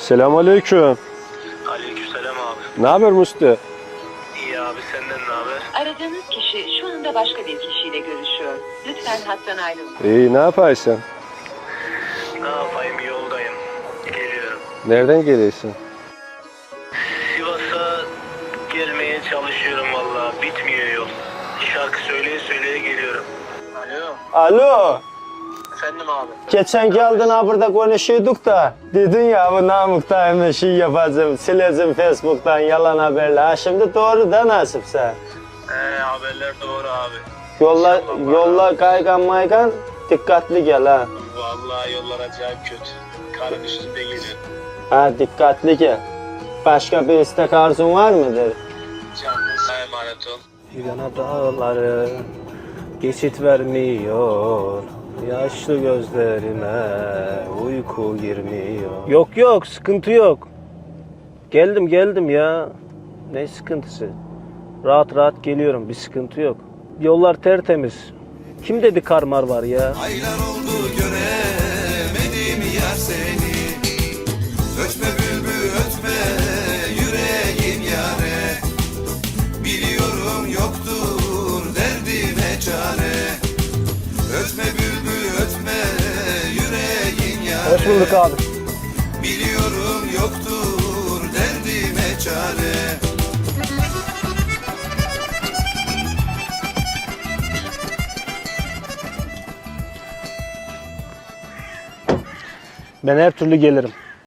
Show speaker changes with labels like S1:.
S1: Selamünaleyküm.
S2: Aleykümselam abi.
S1: Ne haber Musti?
S2: İyi abi, senden ne haber?
S3: Aradığınız kişi şu anda başka bir kişiyle görüşüyor. Lütfen hattan ayrılın.
S1: İyi, ne yaparsın?
S2: Ne yapayım, yoldayım. Geliyorum.
S1: Nereden geliyorsun?
S2: Sivas'a gelmeye çalışıyorum valla. Bitmiyor yol. Şarkı söyleye söyleye geliyorum. Alo.
S4: Alo.
S2: Efendim abi.
S4: Geçen geldin ha burada konuşuyorduk da. Dedin ya bu Namık'ta hemen şey yapacağım. Sileceğim Facebook'tan yalan haberler. Ha şimdi doğru da nasipse.
S2: Haberler doğru abi.
S4: Yolla kaygan maygan dikkatli gel ha.
S2: Vallahi yollar acayip kötü. Karın üstünde geliyor.
S4: Ha dikkatli gel. Başka bir istek arzun var mıdır?
S2: Canınıza emanet ol.
S1: Yana dağları geçit vermiyor. Yaşlı gözlerime uyku girmiyor. Yok sıkıntı yok. Geldim ya. Ne sıkıntısı? Rahat geliyorum, bir sıkıntı yok. Yollar tertemiz. Kim dedi karmar var ya?
S5: Aylar oldu göremedim yar seni. Ötme bülbül ötme yüreğim yare. Biliyorum yoktur derdime çare. Ötme bülbül ötme yüreğim yare.
S1: Hoş bulduk abi.
S5: Biliyorum yoktur derdime çare.
S1: Ben her türlü gelirim.